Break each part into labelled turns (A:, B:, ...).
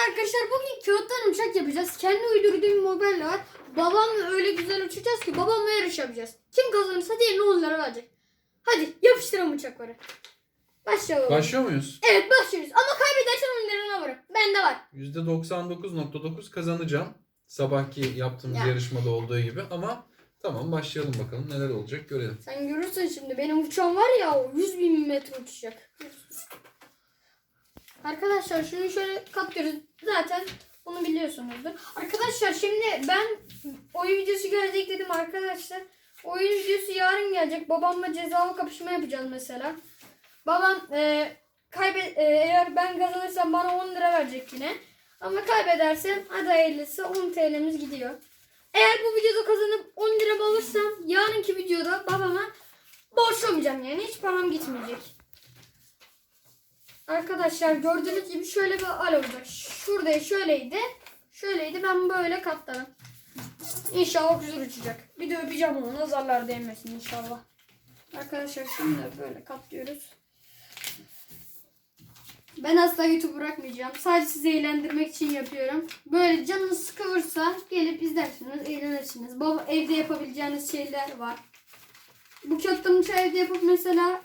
A: arkadaşlar bugün kağıttan uçak yapacağız. Kendi uydurduğum bir model var. Babamla öyle güzel uçacağız ki babamla yarış yapacağız. Kim kazanırsa diğerine 10 lira verecek. Hadi yapıştıralım uçakları. Başlayalım.
B: Başlıyor muyuz?
A: Evet başlıyoruz. Ama kaybedersen 10 liranı alırım. Bende var.
B: %99.9 kazanacağım. Sabahki yaptığımız yarışmada olduğu gibi ama tamam başlayalım bakalım neler olacak görelim.
A: Sen görürsün şimdi benim uçağım var ya o 100.000 metre uçacak. Arkadaşlar şunu şöyle katlıyoruz. Zaten bunu biliyorsunuzdur. Arkadaşlar şimdi ben oyun videosu gelecek dedim arkadaşlar. Oyun videosu yarın gelecek. Babamla cezalı kapışma yapacağız mesela. Babam eğer ben kazanırsam bana 10 lira verecek yine. Ama kaybedersem hadi hayırlısı 10 TL'miz gidiyor. Eğer bu videoda kazanıp 10 liramı alırsam yarınki videoda babama borçlamayacağım yani hiç param gitmeyecek. Arkadaşlar gördüğünüz gibi şöyle bir hal olacak. Şurada şöyleydi. Şöyleydi ben böyle katladım. İnşallah güzel uçacak. Bir de öpeceğim onu nazarlar değmesin inşallah. Arkadaşlar şimdi böyle katlıyoruz. Ben asla YouTube bırakmayacağım. Sadece sizi eğlendirmek için yapıyorum. Böyle canınız sıkılırsa gelip izlersiniz, eğlenirsiniz. Baba evde yapabileceğiniz şeyler var. Bu kağıttan uçağı evde yapıp mesela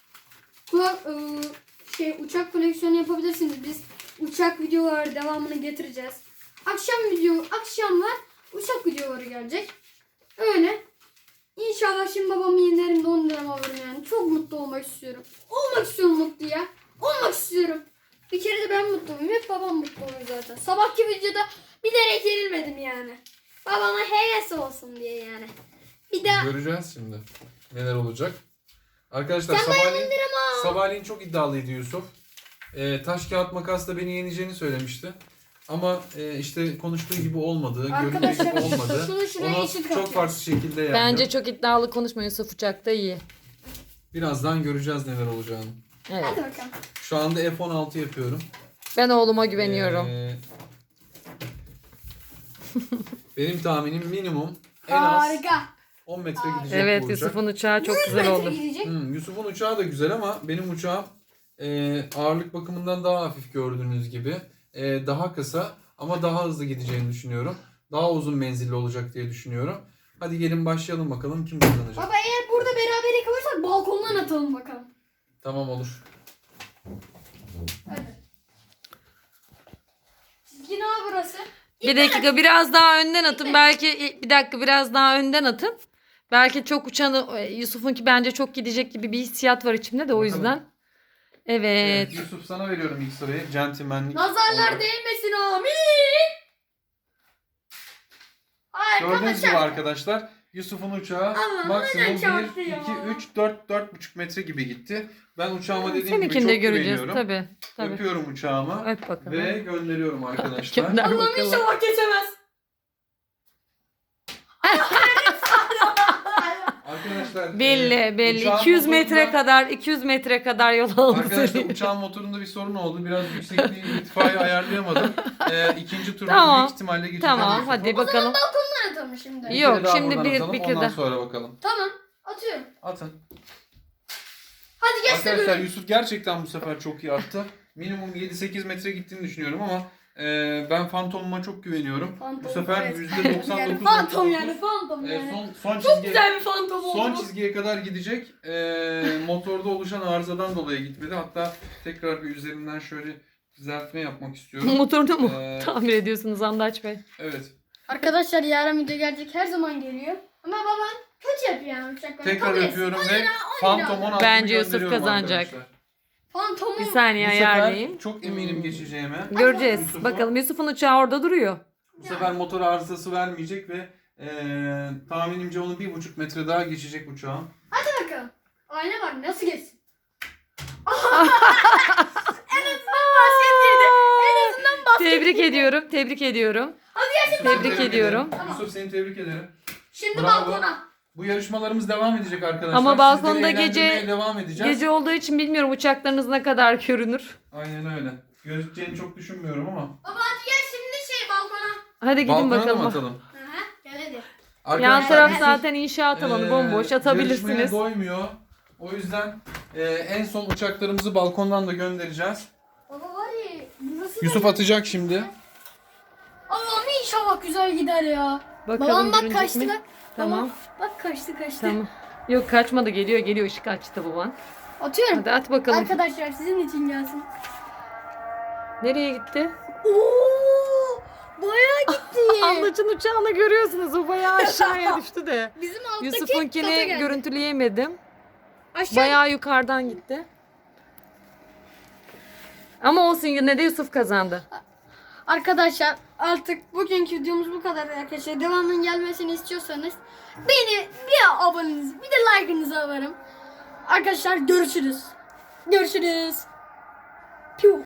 A: uçak koleksiyonu yapabilirsiniz. Biz uçak videoları devamını getireceğiz. Akşamlar uçak videoları gelecek. Öyle. İnşallah şimdi babamın yenerinde 10 liram alırım yani. Çok mutlu olmak istiyorum. Olmak istiyorum mutlu ya. Olmak istiyorum. Bir kere de ben mutluyum. Hep babam mutlu oluyor zaten. Sabahki videoda bilerek yenilmedim yani. Babama heves olsun diye yani. Bir daha.
B: Göreceğiz şimdi neler olacak. Arkadaşlar
A: Sen
B: sabahleyin çok iddialıydı Yusuf. Taş kağıt makasla beni yeneceğini söylemişti. Ama işte konuştuğu gibi olmadı, göründüğü gibi olmadı. Onu çok farklı şekilde yendim.
C: Bence çok iddialı konuşma Yusuf uçakta iyi.
B: Birazdan göreceğiz neler olacağını.
C: Evet.
A: Hadi bakalım.
B: Şu anda F-16 yapıyorum.
C: Ben oğluma güveniyorum.
B: Benim tahminim minimum en az
A: Harika.
B: 10 metre gidecek
C: Evet
B: bu uçak.
C: Yusuf'un uçağı çok
A: 100
C: güzel
A: metre
C: oldu.
A: gidecek.
B: Yusuf'un uçağı da güzel ama benim uçağım ağırlık bakımından daha hafif gördüğünüz gibi. Daha kısa ama daha hızlı gideceğini düşünüyorum. Daha uzun menzilli olacak diye düşünüyorum. Hadi gelin başlayalım bakalım kim kazanacak.
A: Baba eğer burada berabere kalırsak balkondan atalım bakalım.
B: Tamam olur.
A: Hadi. Çizgi ne burası?
C: Bir dakika biraz daha önden atın. Belki bir dakika biraz daha önden atın. Belki çok uçanı Yusuf'unki bence çok gidecek gibi bir hissiyat var içimde de o
B: Bakalım.
C: yüzden. Evet.
B: Yusuf sana veriyorum ilk soruyu. Centilmenlik.
A: Nazarlar
B: olarak.
A: değmesin amin.
B: Gördüğünüz gibi arkadaşlar Yusuf'un uçağı
A: Ama
B: maksimum
A: neden
B: 1,
A: çarptı ya?
B: 2, 3, 4, 4,5 metre gibi gitti. Ben uçağıma dediğim gibi
C: Seninkini
B: çok
C: de göreceğiz
B: güveniyorum.
C: tabii.
B: Öpüyorum uçağıma
C: Öp bakalım.
B: ve gönderiyorum arkadaşlar.
C: Gönder
A: Allah'ım
C: bakalım.
A: inşallah geçemez.
B: Arkadaşlar
C: Belli.
B: uçağın
C: 200 metre
B: motorunda-
C: kadar 200 metre kadar yol aldı.
B: Arkadaşlar uçağın motorunda bir sorun oldu. Biraz yüksekliği irtifayı ayarlayamadım. İkinci turda
C: Tamam.
B: büyük ihtimalle geçeceğim.
C: Tamam
B: Yusuf'u.
C: hadi bakalım.
A: Balkondan atalım şimdi.
B: Bir
C: Yok,
B: kere daha
C: şimdi
B: buradan
C: bir
B: atalım,
C: kere
B: ondan
C: daha.
B: sonra bakalım.
A: Tamam atıyorum.
B: Atın.
A: Hadi geç de
B: Arkadaşlar
A: böyle.
B: Yusuf gerçekten bu sefer çok iyi attı. Minimum 7-8 metre gittiğini düşünüyorum ama ben Fantom'uma çok güveniyorum.
A: Fantom,
B: Bu sefer
A: evet.
B: %99.
A: Yani fantom yani fantom yani.
B: Son
A: Çok
B: çizgiye,
A: güzel bir fantom oldu.
B: son
A: bu.
B: çizgiye kadar gidecek. Motorda oluşan arızadan dolayı gitmedi. Hatta tekrar bir üzerinden şöyle düzeltme yapmak istiyorum.
C: Motorunu mu
B: Ee,
C: tamir ediyorsunuz Andaç Bey?
B: Evet.
A: Arkadaşlar yarın video gelecek her zaman geliyor. Ama babam kötü yapıyor yani uçakları.
B: Tekrar
A: Kabul etsin.
B: öpüyorum
A: 10
B: ve
A: lira.
B: Phantom 16'yı
C: Bence Yusuf
B: gönderiyorum
C: kazanacak.
B: arkadaşlar.
A: Fantomu.
C: Bir saniye
B: Bu sefer
C: ayarlayayım.
B: çok eminim geçeceğime.
C: Göreceğiz.
B: Yusuf'u-
C: Bakalım Yusuf'un uçağı orada duruyor.
B: Bu sefer motor arızası vermeyecek ve tahminimce onu 1,5 metre daha geçecek uçağım.
A: Hadi bakalım. Ayna var nasıl geçsin?
C: Tebrik ediyorum. Tebrik ediyorum. Tebrik ediyorum.
A: Tamam.
B: Yusuf seni tebrik ederim.
A: Şimdi
B: Bravo.
A: balkona.
B: Bu yarışmalarımız devam edecek arkadaşlar.
C: Ama balkonda
B: Sizleri eğlendirmeye
C: gece-
B: devam edeceğiz.
C: Gece olduğu için bilmiyorum uçaklarınız ne kadar görünür.
B: Aynen öyle. Gözükeceğini çok düşünmüyorum ama.
A: Baba hadi gel şimdi balkona.
C: Hadi gidin
B: Balkona da mı
C: bakalım.
B: atalım?
A: Aha, gel hadi.
C: Yan taraf
B: Yusuf,
C: zaten inşaat alanı bomboş
B: yarışmaya
C: atabilirsiniz.
B: doymuyor. O yüzden en son uçaklarımızı balkondan da göndereceğiz.
A: Baba var ya burası Nasıl
B: Yusuf atacak şimdi.
A: Allah'ım inşallah güzel gider ya.
C: Bakalım
A: Babam bak
C: görünecek
A: kaçtı
C: mi?
A: bak.
C: Tamam.
A: Babam, bak kaçtı.
C: Tamam. Yok kaçmadı, geliyor ışık açtı baban.
A: Atıyorum.
C: Hadi at bakalım.
A: Arkadaşlar sizin için gelsin.
C: Nereye gitti?
A: Oo! Bayağı gitti.
C: Anlaçın uçağını görüyorsunuz, o bayağı aşağıya düştü de.
A: Bizim alttaki kata
C: Yusuf'unkini
A: geldi.
C: görüntüleyemedim.
A: Aşağı
C: Bayağı yukarıdan gitti. Ama olsun, yine de Yusuf kazandı.
A: Arkadaşlar artık bugünkü videomuz bu kadar arkadaşlar. Devamının gelmesini istiyorsanız beni bir abonenizi bir de like'ınızı alırım. Arkadaşlar görüşürüz. Görüşürüz. Piu.